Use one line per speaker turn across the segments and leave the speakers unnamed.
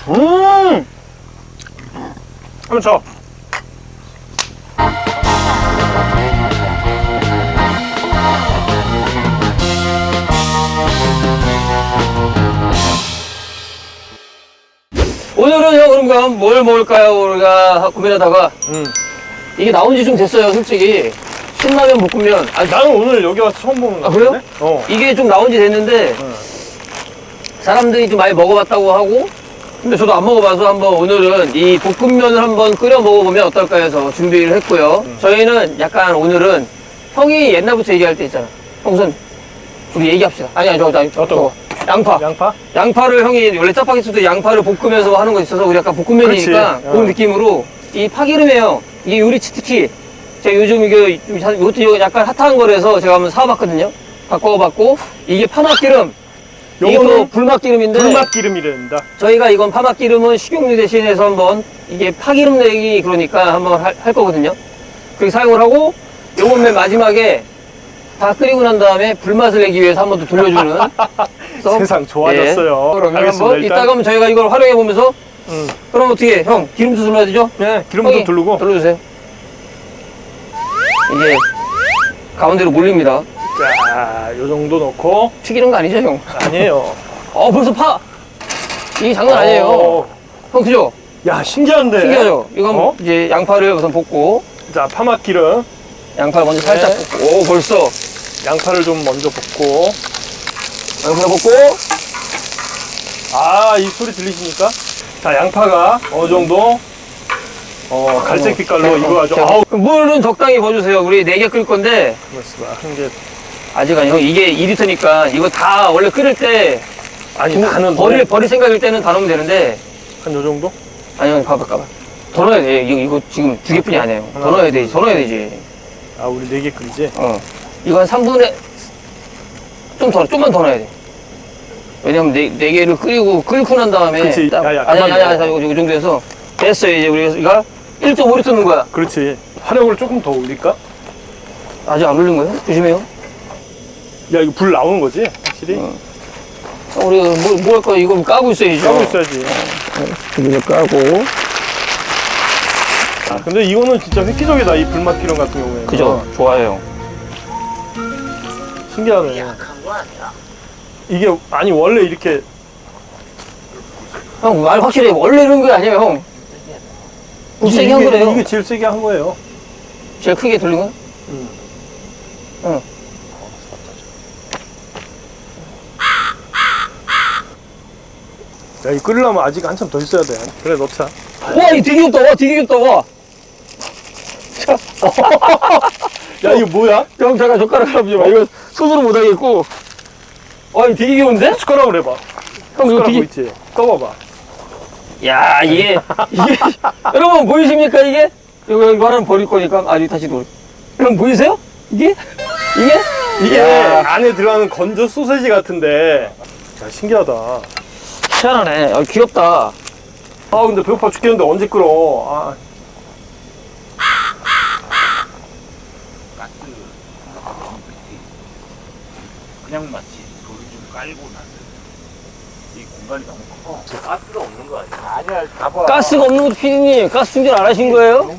한번 쳐.
오늘은 형 그럼 뭘 먹을까요? 우리가 고민하다가 이게 나온 지 좀 됐어요, 솔직히. 신라면 볶음면.
아니, 나는 오늘 여기 와서 처음 보는 거.
아, 그래요?
어.
이게 좀 나온 지 됐는데 사람들이 좀 많이 먹어봤다고 하고, 근데 저도 안 먹어봐서 한번 오늘은 이 볶음면을 한번 끓여 먹어보면 어떨까 해서 준비를 했고요. 저희는 약간 오늘은 형이 옛날부터 얘기할 때 있잖아. 형 우선 우리 얘기합시다. 아니 저거 양파.
양파?
양파를 형이 원래 짜파게티도 양파를 볶으면서 하는 거 있어서 우리 약간 볶음면이니까
그렇지.
그 느낌으로 이 파기름이에요. 이게 요리 특히 제가 요즘 이것도 약간 핫한 거라서 제가 한번 사와봤거든요. 바꿔봤고 이게 파맛기름. 이것도 불맛기름인데
불맛기름이랍니다.
저희가 이건 파맛기름은 식용유 대신해서 한번 이게 파기름 내기 그러니까 한번 할 거거든요. 그렇게 사용을 하고 요건 맨 마지막에 다 끓이고 난 다음에 불맛을 내기 위해서 한 번 더 돌려주는
세상 좋아졌어요.
예. 그러면
알겠습니다.
한번
일단.
이따가 하면 저희가 이걸 활용해 보면서 그럼 어떻게 형 기름도 둘러야 되죠?
네, 기름 좀 두르고.
둘러주세요. 이게 가운데로 몰립니다.
자, 요 정도 넣고.
튀기는 거 아니죠 형?
아니에요.
벌써 파! 이게 장난 아니에요. 형 그죠?
야, 신기한데.
신기하죠? 이거 한번 이제 양파를 우선 볶고
자, 파맛기름.
양파를 먼저 살짝
네.
볶고 벌써
양파를 좀 먼저 볶고.
양파 볶고
아, 이 소리 들리십니까? 자, 양파가 어느 정도 갈색 빛깔로 익어가지고. 아우.
물은 적당히 부어주세요. 우리 4개 끓일 건데
그렇습니다. 한 개.
아직 아니요. 이게 2리터니까 이거 다 원래 끓일 때
아니, 나는
버릴 생각일 때는 다 넣으면 되는데
한 요 정도?
아니요. 봐봐. 더 넣어야 돼. 이거 지금 2개뿐이 아니에요. 더 넣어야 되지. 더 넣어야 되지.
아, 우리 4개 끓이지?
이거 한 3분의 좀만 더 넣어야 돼. 왜냐면 네 개를 끓이고 난 다음에
그치.
딱,
야,
아니
그만
이 정도에서 됐어요. 이제 우리가 1.5리터 넣는 거야.
그렇지. 화력을 조금 더 올릴까?
아직 안 올린 거예요? 조심해요.
야, 이거 불 나오는 거지? 확실히?
우리가 뭐 할 거야? 이거 까고 있어야죠.
까고 있어야지.
이거 까고.
아, 근데 이거는 진짜 획기적이다, 이 불맛기름 같은 경우에는.
그죠? 좋아요.
신기하네. 이게, 아니, 원래 이렇게.
형, 말 확실해. 원래 이런 거 아니에요, 형. 세게 한 거래요.
이게 제일 세게 한 거예요.
제일 크게 돌린 거야? 응.
야, 이 끓이려면 아직 한참 더 있어야 돼. 그래, 넣자.
와, 이 되게 귀엽다. 와, 되게 귀엽다. 와.
야, 이거 뭐야?
형, 잠깐 젓가락 하나 보지 마. 이거 손으로 못 하겠고. 와, 이거 되게 귀여운데?
숟가락으로 해봐.
형, 이거
숟가락
되게.
있지? 떠봐봐.
야, 이게. 여러분, 보이십니까, 이게? 이거 하나는 버릴 거니까. 아니, 다시 놓을. 여러분, 보이세요? 이게?
이게
야.
안에 들어가는 건조 소세지 같은데. 야, 신기하다.
희한하네. 귀엽다.
아, 근데 배고파 죽겠는데 언제 끓어? 아.
그냥 마치 돌을 좀 깔고 나서 이 공간이 너무 커. 가스가 없는 거 아니야? 아니야, 봐봐.
가스가 없는 것도 피디님, 가스 충전 안 하신 거예요?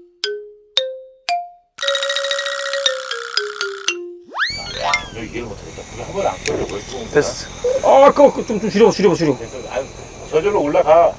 여기 이해를 못하겠다. 불이 한 번에 안 꺼져. 왜 또?
됐어.
좀 줄여.
저절로 올라가.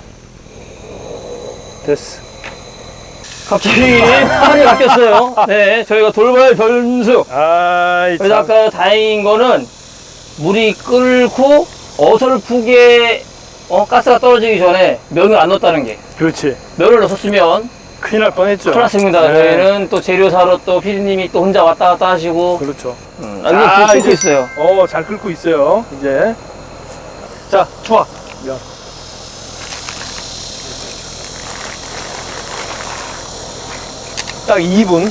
됐어.
갑자기 판이 바뀌었어요. 네, 저희가 돌발 변수.
아이,
그래서
참.
아까 다행인 거는 물이 끓고 어설프게 가스가 떨어지기 전에 면을 안 넣었다는 게.
그렇지.
면을 넣었으면
큰일 날 뻔했죠.
큰일 났습니다.
네.
저희는 또 재료 사러 또 피디님이 또 혼자 왔다 갔다 하시고.
그렇죠.
이게 끓고
이제-
있어요.
잘 끓고 있어요. 이제. 자, 좋아. 면. 딱 2분.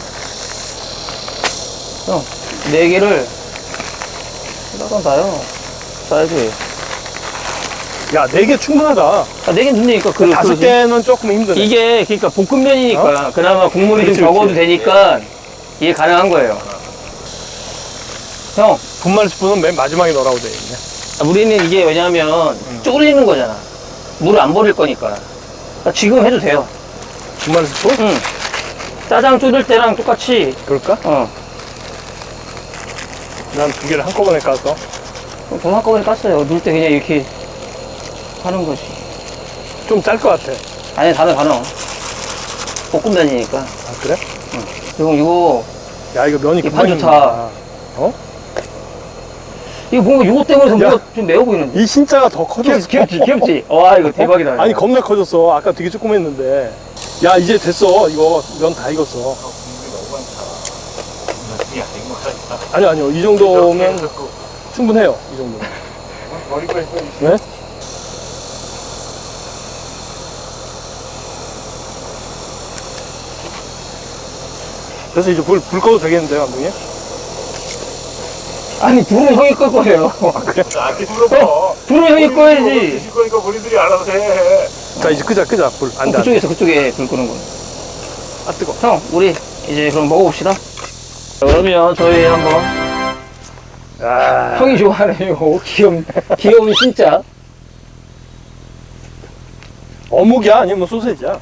형, 4개를 나간 다요. 싸야지.
야, 4개 충분하다.
아, 4개는 된다니까.
5개는 조금 힘드네.
이게 그러니까 볶음면이니까 그나마 국물이
그렇지,
좀 적어도
그렇지.
되니까 이게 가능한 거예요. 형,
분말 스푼은 맨 마지막에 넣으라고 돼 있네.
우리는 이게 왜냐면 쪼그리는 거잖아. 물을 안 버릴 거니까. 그러니까 지금 해도 돼요.
2만 스푼?
응. 짜장 끓일 때랑 똑같이,
그럴까? 난 2개를 한꺼번에 까서.
돈 한꺼번에 깠어요. 넣을 때 그냥 이렇게 하는 거지.
좀 짤 것 같아.
아니, 단어. 볶음면이니까.
아, 그래?
형, 이거,
야, 이거 면이
이판
금방
좋다.
익는다. 어?
이거 뭔가 이거 때문에
야.
뭔가 좀 매워 보이는데.
이 신자가 더 커졌어.
귀엽지? 와, 이거 대박이다. 이거.
아니, 겁나 커졌어. 아까 되게 조그맸는데. 야, 이제 됐어. 이거 면 다 익었어.
국물이 너무 많다. 야, 이거
아니요, 아니요. 이 정도면 충분해요. 이 정도면.
버리고 했어.
네? 그래서 이제 불 꺼도 되겠는데요, 감독님?
아니, 불은 형이 끌 거예요.
나한테 물어봐.
불은 형이 꺼야지.
드실 거니까 본인들이 알아서 해.
자, 이제 끄자. 불. 안 돼, 안 돼.
그쪽에 불 끄는 거.
아, 뜨거.
형, 우리 이제 그럼 먹어봅시다. 그러면 저희 한번.
아,
형이 좋아하네요. 귀여운 진짜.
어묵이야? 아니면 소세지야?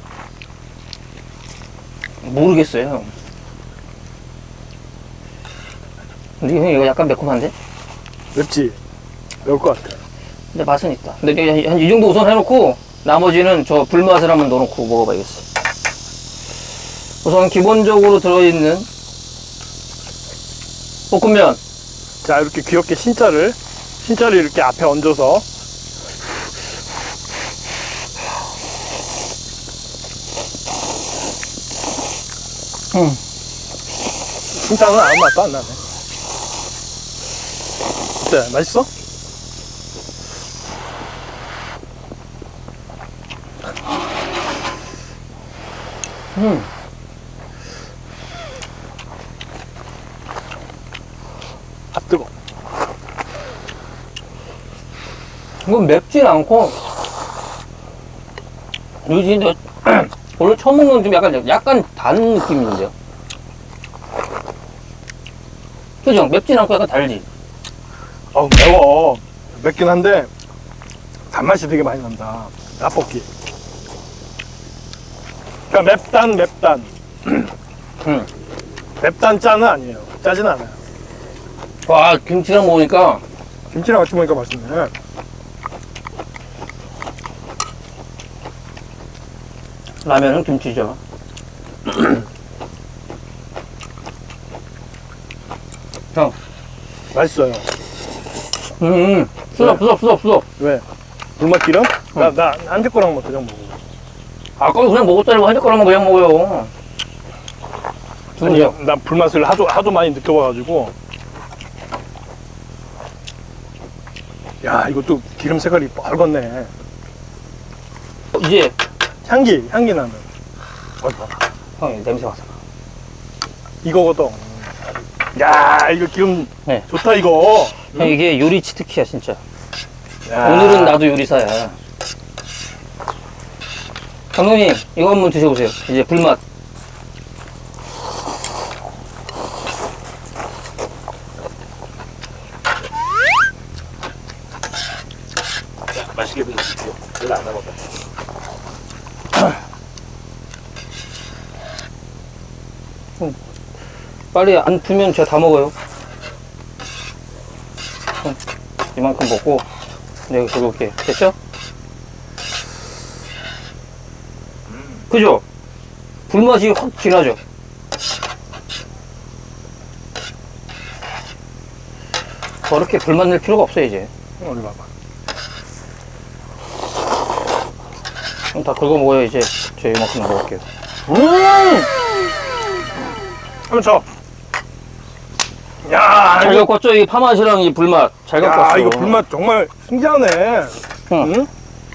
모르겠어요, 형. 근데 형 이거 약간 매콤한데?
맵지? 매울 것 같아.
근데 맛은 있다. 근데 한 이 정도 우선 해놓고 나머지는 저 불맛을 한번 넣어놓고 먹어봐야겠어. 우선 기본적으로 들어있는 볶음면.
자, 이렇게 귀엽게 신자를 이렇게 앞에 얹어서. 신자는 아무 맛도 안 나네. 어때? 맛있어? 아, 뜨거.
이건 맵진 않고 요즘 오늘 처음 먹는 좀 약간 단 느낌인데요. 그죠? 맵진 않고 약간 달지.
어우, 매워. 맵긴 한데 단맛이 되게 많이 난다. 떡볶이. 그러니까 맵단. 맵단 짜는 아니에요. 짜진 않아요.
와, 김치랑 먹으니까
김치랑 같이 먹으니까 맛있네.
라면은 김치죠. 형,
맛있어요.
수업.
왜? 불맛기름? 나 한대 거랑 뭐 그냥 먹어.
아까 그냥 먹었잖아. 한 젓가락만 그냥 먹어요.
아니, 난 불맛을 하도 많이 느껴봐가지고. 야, 이것도 기름 색깔이 빨갛네.
이제
향기 나는.
형이 냄새 맡아.
이거거든. 야, 이거 기름
네.
좋다, 이거.
형, 이게 요리 치트키야 진짜.
야.
오늘은 나도 요리사야. 감독님, 이거 한번 드셔보세요. 이제 불맛.
맛있게 드십시오. 별로 안 남았다.
빨리 안 풀면 제가 다 먹어요. 이만큼 먹고 내가 긁을게. 됐죠? 그죠? 불맛이 확 진하죠? 저렇게 불맛 낼 필요가 없어요 이제.
어디 봐봐.
그럼 다 긁어 먹어요 이제. 저 이만큼 먹을게요.
한번 쳐. 야,
잘
이거,
갖고 왔죠? 이 파맛이랑 이 불맛. 잘 갖고 왔어.
이거 불맛 정말 신기하네.
응.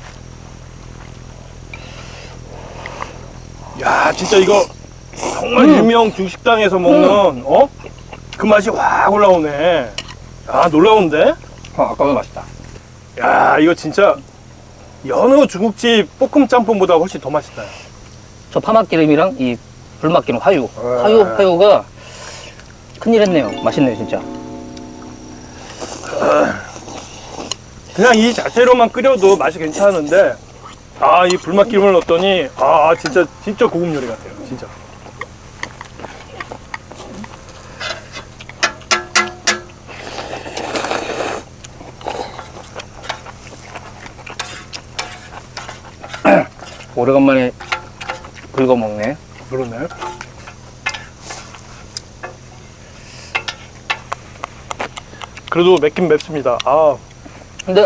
야, 진짜 이거 정말 유명 중식당에서 먹는 그 맛이 확 올라오네. 야, 놀라운데?
아까보다 맛있다.
야, 이거 진짜 여느 중국집 볶음 짬뽕보다 훨씬 더 맛있다.
저 파맛기름이랑 이 불맛기름 화유.
네.
화유가 큰일 했네요. 맛있네요, 진짜.
그냥 이 자체로만 끓여도 맛이 괜찮은데 아, 이 불맛 기름을 넣었더니 아, 진짜 고급 요리 같아요. 진짜.
오래간만에 긁어 먹네.
그러네. 그래도 맵긴 맵습니다. 아,
근데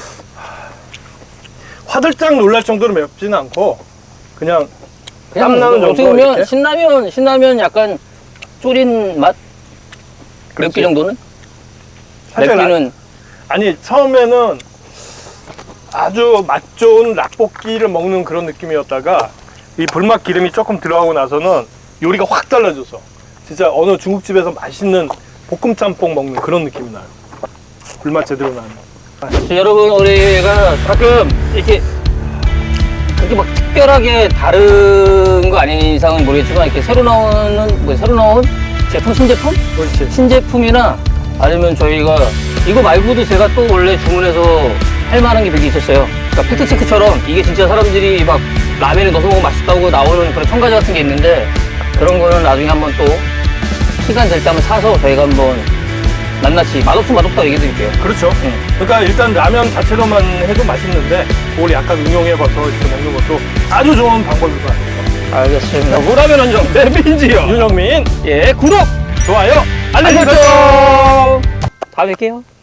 화들짝 놀랄 정도로 맵지는 않고 그냥
그냥
땀 나는
어떻게
정도
보면
이렇게?
신라면 약간 졸인 맛?
그렇지.
맵기 정도는?
살짝
맵기는
아니, 처음에는 아주 맛 좋은 락볶이를 먹는 그런 느낌이었다가 이 불맛 기름이 조금 들어가고 나서는 요리가 확 달라져서 진짜 어느 중국집에서 맛있는 볶음 짬뽕 먹는 그런 느낌이 나요. 불맛 제대로 나는.
여러분, 우리가 가끔 이렇게 그렇게 막 특별하게 다른 거 아닌 이상은 모르겠지만 이렇게 새로 나온 제품, 신제품?
그렇지.
신제품이나 아니면 저희가 이거 말고도 제가 또 원래 주문해서 할 만한 게 몇 개 있었어요. 그러니까 팩트체크처럼 이게 진짜 사람들이 막 라면에 넣어서 먹으면 맛있다고 나오는 그런 첨가제 같은 게 있는데 그런 거는 나중에 한번 또 시간 될 때 한번 사서 저희가 한번 낱낱이 맛없으면 맛없다고 얘기해 드릴게요.
그렇죠. 그러니까 일단 라면 자체로만 해도 맛있는데 그걸 약간 응용해봐서 이렇게 먹는 것도 아주 좋은 방법일 것 같아요.
알겠습니다. 무라면 원정 대민지요.
윤영민,
예, 구독,
좋아요, 알림
알림
설정!
설정. 다음에 뵐게요.